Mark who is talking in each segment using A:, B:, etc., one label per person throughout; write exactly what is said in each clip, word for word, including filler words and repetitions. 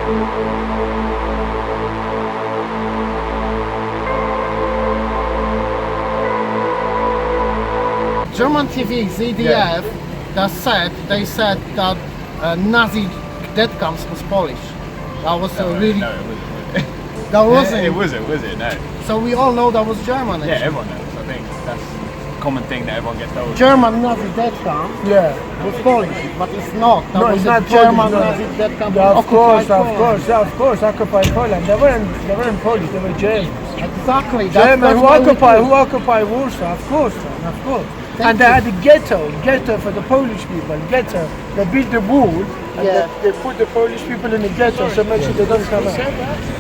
A: German T V, Z D F,
B: Yeah.
A: that said, they said that uh, Nazi death camps was Polish. That was
B: No,
A: a really,
B: no, it wasn't.
A: that wasn't.
B: It wasn't, was it? No.
A: So we all know that was German.
B: Yeah,
A: actually.
B: everyone knows. I think that's a common thing that everyone gets told.
A: German Nazi death camp
C: Yeah.
A: was Polish, but it's not. That
C: No,
A: was
C: it's
A: a
C: not
A: German
C: Polish, no.
A: Nazi death camp.
C: Yeah,
A: in
C: of course,
A: occupied
C: of
A: Poland.
C: course, yeah, of course, occupied Poland. They weren't, they weren't Polish, they were Germans.
A: Exactly. That's,
C: German
A: that's
C: who
A: why we
C: occupied,
A: do.
C: who occupied Warsaw, of course, man, of course.
A: Thank
C: and they
A: you.
C: had a ghetto, ghetto for the Polish people, ghetto. They built the wall, and
A: Yeah.
C: they, they put the Polish people in the ghetto, so make sure they don't come out.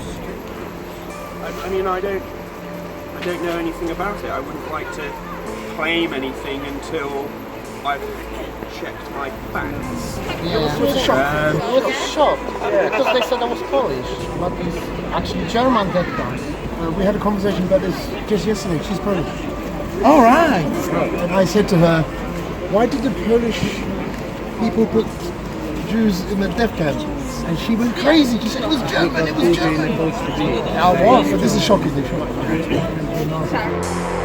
D: I, I mean, I don't, I don't know anything about it. I wouldn't like to claim anything until I've checked my facts.
A: Yeah. It was a shock. I was shocked because they said I was Polish, but it's actually German death camp.
E: Uh, we had a conversation about this just yesterday. She's Polish.
C: All right.
E: And I said to her, why did the Polish people put Jews in the death camp? And she went crazy. She said it was German, it was German.
A: I was.
E: But this is shocking. They shock.